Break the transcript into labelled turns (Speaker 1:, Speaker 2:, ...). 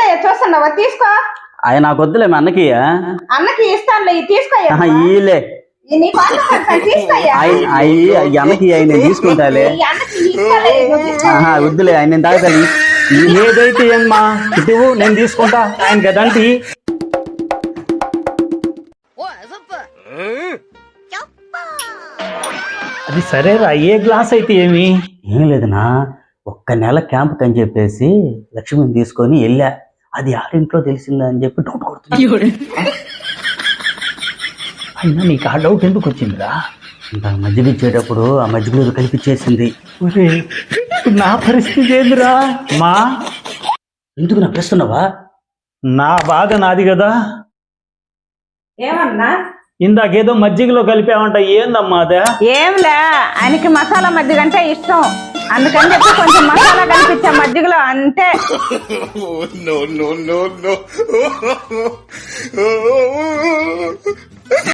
Speaker 1: ఏందయ్యా చూస్తున్నావా? తీసుకో.
Speaker 2: అవి నాకు వద్దులే, మా అన్నకి
Speaker 1: అన్నకి ఇస్తానులే, తీసుకోయ్యా.
Speaker 2: ఈలే
Speaker 1: తీసుకోయ్యా.
Speaker 2: అన్నకి నేను తీసుకుంటాలే. వద్దులే, ఆయన నేను తాగుతాను. ఏదైతే ఏమ్మా ఇటు నేను తీసుకుంటా, ఆయన కదంటి.
Speaker 3: అది సరేరా, ఏ గ్లాస్ అయితే ఏమి?
Speaker 2: ఏం లేదనా, ఒక్క నెల క్యాంప్ అని చెప్పేసి లక్ష్మిని తీసుకొని వెళ్ళా. అది ఆరింట్లో తెలిసిందా అని చెప్పి డౌట్ కొడుతుంది.
Speaker 3: అయినా నీకు ఆ డౌట్ ఎందుకు వచ్చిందిరా?
Speaker 2: ఇంకా మజ్జిగ ఇచ్చేటప్పుడు ఆ మజ్జిగలో కలిపిచ్చేసింది.
Speaker 3: నా పరిస్థితి ఏందిరా? మా
Speaker 2: ఎందుకు నా ప్రశ్నవా?
Speaker 3: నా బాధ నాది కదా.
Speaker 1: ఏమన్నా?
Speaker 3: ఇందాకేదో మజ్జిగలో కలిపావంట, ఏందమ్మా అదే?
Speaker 1: ఏంలే, ఆయనకి మసాలా మజ్జిగ అంటే ఇష్టం, అందుకని చెప్పి కొంచెం మసాలా కలిపించా మజ్జిగలో, అంతే.